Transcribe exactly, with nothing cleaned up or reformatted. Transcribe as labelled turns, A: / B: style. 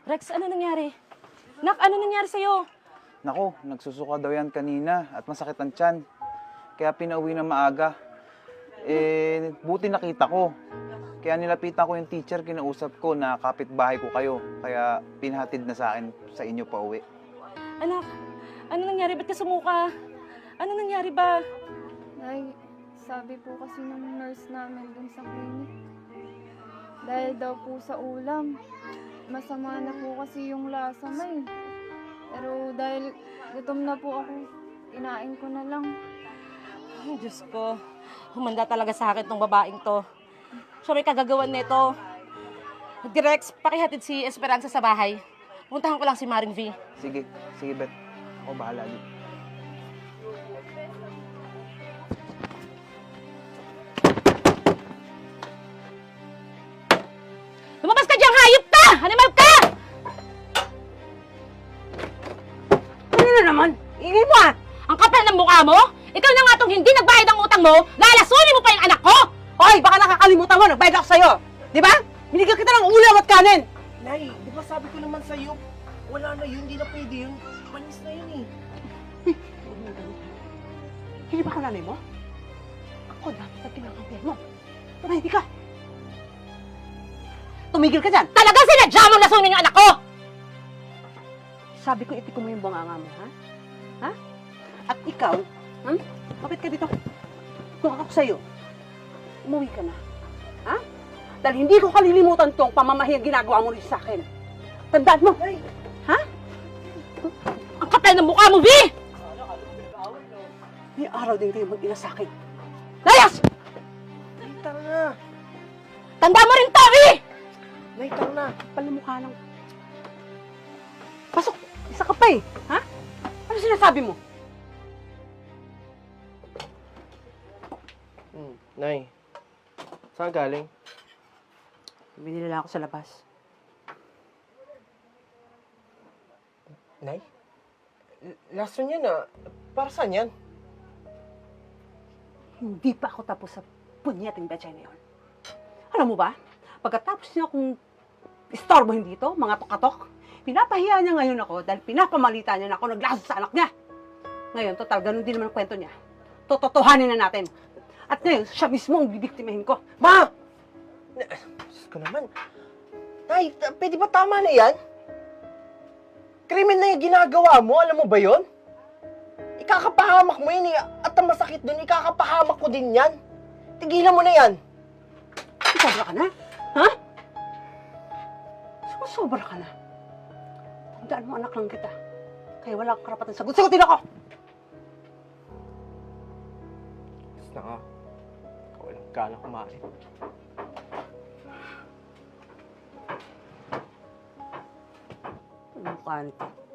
A: Rex, ano nangyari? Nak, ano nangyari sa'yo?
B: Nako, nagsusuka daw yan kanina at masakit ang tiyan. Kaya pinauwi na maaga. Eh, buti nakita ko. Kaya nilapitan ko yung teacher, kinausap ko na kapitbahay ko kayo. Kaya pinhatid na sa akin sa inyo pa uwi.
A: Anak, ano nangyari? Ba't ka sumuka? Ano nangyari ba?
C: Nay, sabi po kasi ng nurse namin dun sa clinic, dahil daw po sa ulam, masama na po kasi yung lasa, Nay. Pero dahil gutom na po ako, inain ko na lang.
A: Ay, Diyos ko. Humanda talaga sa akin tong babaeng to. Siya may kagagawan nito. Direx, pakihatid si Esperanza sa bahay. Puntahan ko lang si Maring V.
B: Sige, sige Bet. Ako bahala dito.
A: Lumabas ka diyang hayop ka! Animal ka!
D: Ano na naman? Ingay mo ah!
A: Ang kapal ng mukha mo? Ikaw na nga tong hindi nagbayad ng utang mo, lalasunin mo pa yung anak ko!
D: Hoy, baka nakakalimutan mo, nagbayad ako sa'yo! Di ba? Binigyan kita ng ulam at kanin!
E: Nay, di ba sabi ko naman sa'yo, wala na yun, hindi na pwede yun. Panis na yun eh.
D: Hindi ba ako nanay mo? Ako dapat ang kinakampihan mo. Tumahimik ka! Tumigil ka dyan!
A: Talaga sinadya mong lasunin yung anak ko!
D: Sabi ko, itikom mo yung bunganga mo, ha? Ha? At ikaw, hmm? Kapit ka dito. Kung ako sa'yo, umuwi ka na. Ha? Dahil hindi ko kalilimutan tong pamamahiyang ginagawa mo rin sa akin. Tandaan mo!
E: Nay!
D: Ha?
A: Ang kapal ng mukha mo, V!
D: May araw din kayo mag-ina sa akin. Layas!
E: Nay, tara na!
A: Tanda mo rin to, V!
E: Nay, tara na!
D: Kapal na mukha lang. Pasok! Isa ka pa eh. Ha? Ano sinasabi mo?
E: Hmm, Nay, saan galing?
D: Binili lang ako sa labas.
E: Nay? L- Lason yan ah. Para saan yan?
D: Hindi pa ako tapos sa punyating betchay na yun. Alam mo ba? Pagkatapos niya akong istorbohin dito, mga tokatok, pinapahiya niya ngayon ako dahil pinapamalita niya na ako naglasa sa anak niya. Ngayon, total, ganun din naman ang kwento niya. Tototohanin na natin. At ngayon, siya mismo ang bibiktimahin ko.
E: Ma! Na- Diyos ko naman. Nay, t- pwede ba tama na yan? Krimen na yung ginagawa mo, alam mo ba yon? Ikakapahamak mo yun eh. At ang masakit dun, ikakapahamak ko din yan. Tigilan mo na yan.
D: Sobra ka na? Ha? Sobra ka na. Tandaan mo, anak lang kita. Kaya wala akong karapatan sagot. Sagutin ako!
E: Basta na nga. Walang gana kumain.
D: Ano mukha nito?